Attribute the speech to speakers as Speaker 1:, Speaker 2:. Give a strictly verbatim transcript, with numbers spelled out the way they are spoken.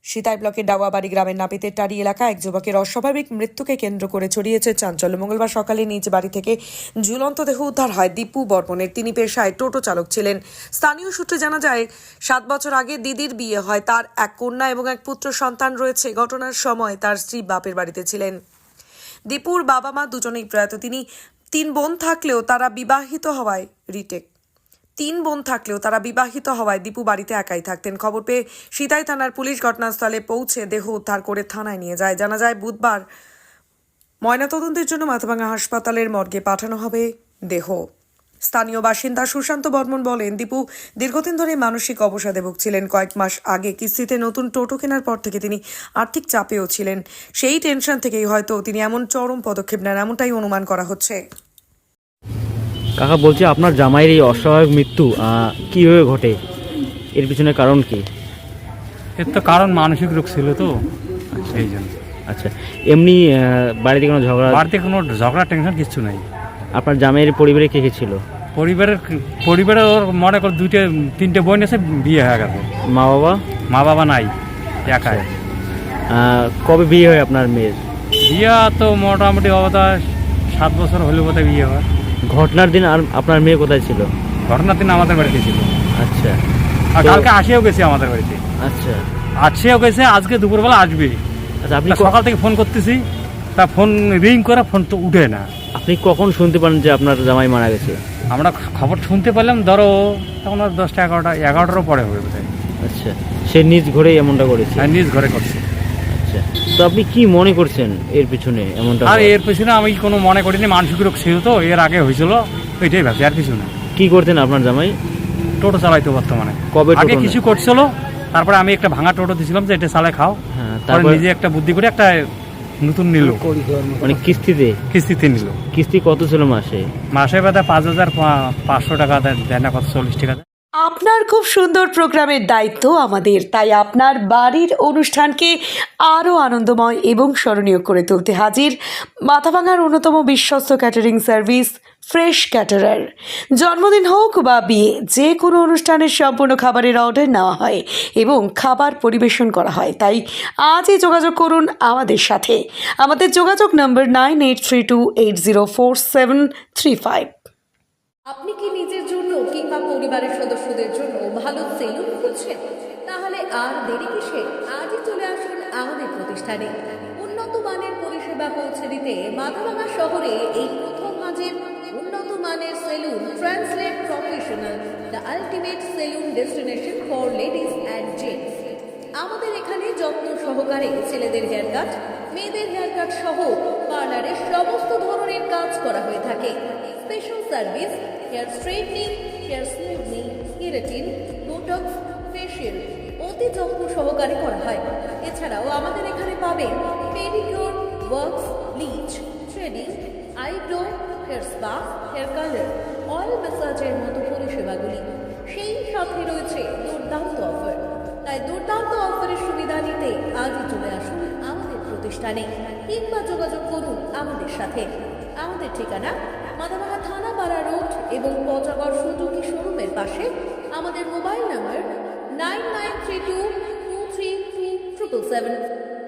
Speaker 1: সিতাই ব্লকের ডাওয়াবাড়ি গ্রামের নাপিতের টারি এলাকা এক যুবকের অস্বাভাবিক মৃত্যুকে কেন্দ্র করে ছড়িয়েছে চাঞ্চল্য। মঙ্গলবার সকালে নিজ বাড়ি থেকে ঝুলন্ত দেহ উদ্ধার হয় দীপু বর্মনের। তিনি পেশায় টোটো চালক ছিলেন। স্থানীয় সূত্রে জানা যায়, সাত বছর আগে দিদির বিয়ে হয়। তার এক কন্যা এবং এক পুত্র সন্তান রয়েছে। ঘটনার সময় তার স্ত্রী বাপের বাড়িতে ছিলেন। দীপুর বাবা মা দুজনেই প্রয়াত। তিনি তিন বোন থাকলেও তারা বিবাহিত হওয়ায় রিটেক তিন বোন থাকলেও তারা বিবাহিত হওয়ায় দীপু বাড়িতে একাই থাকতেন। খবর পেয়ে সিতাই থানার পুলিশ ঘটনাস্থলে পৌঁছে দেহ উদ্ধার করে থানায় নিয়ে যায়। জানা যায়, বুধবার ময়নাতদন্তের জন্য মাথাভাঙা হাসপাতালের মর্গে পাঠানো হবে দেহ। স্থানীয় বাসিন্দা সুশান্ত বর্মন বলেন, দীপু দীর্ঘদিন ধরে মানসিক অবসাদে ভুগছিলেন। কয়েক মাস আগে কিস্তিতে নতুন টোটো কেনার পর থেকে তিনি আর্থিক চাপেও ছিলেন। সেই টেনশন থেকেই হয়তো তিনি এমন চরম পদক্ষেপ নেন, এমনটাই অনুমান করা হচ্ছে।
Speaker 2: কাকা বলছি, আপনার জামাইয়ের এই অস্বাভাবিক মৃত্যু কিভাবে ঘটে? এর পিছনে কারণ কি?
Speaker 3: এর তো কারণ মানসিক রোগ ছিল তো, সেই জন্য।
Speaker 2: আচ্ছা, এমনি বাড়িতে কোনো ঝগড়া?
Speaker 3: বাড়িতে কোনো ঝগড়া টেনশন কিছু নাই।
Speaker 2: আপনার জামাইয়ের পরিবারে কে কে ছিল?
Speaker 3: পরিবারের পরিবারে ওর মনে কর দুইটা তিনটে বোন এসে বিয়ে হয়ে গেছে।
Speaker 2: মা বাবা?
Speaker 3: মা বাবা নাই, একাই।
Speaker 2: কবে বিয়ে হয় আপনার মেয়ের?
Speaker 3: বিয়ে তো মোটামুটি অবস্থা সাত বছর হলে বোধহয় বিয়ে হয়।
Speaker 2: ঘটনার দিন আর আপনার মেয়ে কোথায় ছিল?
Speaker 3: ঘটনার দিন আমাদের বাড়িতে ছিল।
Speaker 2: আচ্ছা,
Speaker 3: আর কালকে আসেও গেছে আমাদের বাড়িতে।
Speaker 2: আচ্ছা,
Speaker 3: আসেও গেছে, আজকে দুপুরবেলা আসবে।
Speaker 2: আচ্ছা, আপনি
Speaker 3: সকাল থেকে ফোন করতেছি, তা ফোন রিং করে ফোন তো উঠে না।
Speaker 2: আপনি কখন শুনতে পারেন যে আপনার জামাই মারা গেছে?
Speaker 3: আমরা খবর শুনতে পেলাম ধরো তখন আর দশটা এগারোটা এগারোটারও পরে হবে বোধহয়।
Speaker 2: আচ্ছা, সে নিজ ঘরেই এমনটা করেছে?
Speaker 3: হ্যাঁ, নিজ ঘরে করছে।
Speaker 2: আচ্ছা, তো আপনি কি মনে করছেন এর পিছনে এমনটা?
Speaker 3: আর এর পিছনে আমি কোনো মনে করিনি, মানসিক রোগ ছিল তো, এর আগে হয়েছিল, ওইটাই ভাবছি, আর কিছু না।
Speaker 2: কি করতেন আপনার জামাই?
Speaker 3: টোটো চালাইতো বর্তমানে।
Speaker 2: কবে?
Speaker 3: আগে কিছু করছিল, তারপরে আমি একটা ভাঙা টোটো দিয়েছিলাম যে এটা চালায় খাও।
Speaker 2: হ্যাঁ,
Speaker 3: তারপরে নিজে একটা বুদ্ধি করে একটা নতুন নিল,
Speaker 2: মানে কিস্তিতে?
Speaker 3: কিস্তিতে নিল।
Speaker 2: কিস্তি কত ছিল মাসে?
Speaker 3: মাসে বাদে পাঁচ হাজার পাঁচশো টাকা দেয় না, কত চল্লিশ টাকা দেয়।
Speaker 1: আপনার খুব সুন্দর প্রোগ্রামের দায়িত্ব আমাদের, তাই আপনার বাড়ির অনুষ্ঠানকে আরও আনন্দময় এবং স্মরণীয় করে তুলতে হাজির মাথাভাঙার অন্যতম বিশ্বস্ত ক্যাটারিং সার্ভিস ফ্রেশ ক্যাটারার। জন্মদিন হোক বা বিয়ে, যে কোনো অনুষ্ঠানের সম্পূর্ণ খাবারের অর্ডার নেওয়া হয় এবং খাবার পরিবেশন করা হয়। তাই আজই যোগাযোগ করুন আমাদের সাথে। আমাদের যোগাযোগ নম্বর nine eight three two eight zero four seven three five.
Speaker 4: আপনি কি নিজের জন্য কিংবা পরিবারের সদস্যদের জন্য ভালো সেলুন খুঁজছেন? তাহলে আর দেরি কিসে? আজই চলে আসুন আমাদের প্রতিষ্ঠানে। উন্নত মানের পরিষেবা পৌঁছে দিতে মাথাভাঙা শহরে এই প্রথম হাজির উন্নত মানের salon translate professional, the ultimate salon destination for ladies and gents. আমাদের এখানে যত্ন সহকারে ছেলেদের হেয়ার কাট, মেয়েদের হেয়ার কাট সহ পার্লারের সমস্ত ধরনের কাজ করা হয়ে থাকে। Special service hair straightening, hair smoothing, keratin, botox, facial অতি যত্ন সহকারে করা হয়। এছাড়াও আমাদের এখানে পাবেন pedicure, wax, bleach, threading, eyebrow, hair spa, hair colour, oil ম্যাসাজের মতো পরিষেবাগুলি। সেই সাথে রয়েছে দুর্দান্ত অফার। তাই দুর্দান্ত অফারের সুবিধা নিতে আজই চলে আসুন আমাদের প্রতিষ্ঠানে কিংবা যোগাযোগ করুন আমাদের সাথে। আমাদের ঠিকানা মাথাভাঙা থানাপাড়া রোড এবং পচাগড় সুজুকি শোরুমের পাশে। আমাদের mobile number nine nine three two two three two triple seven.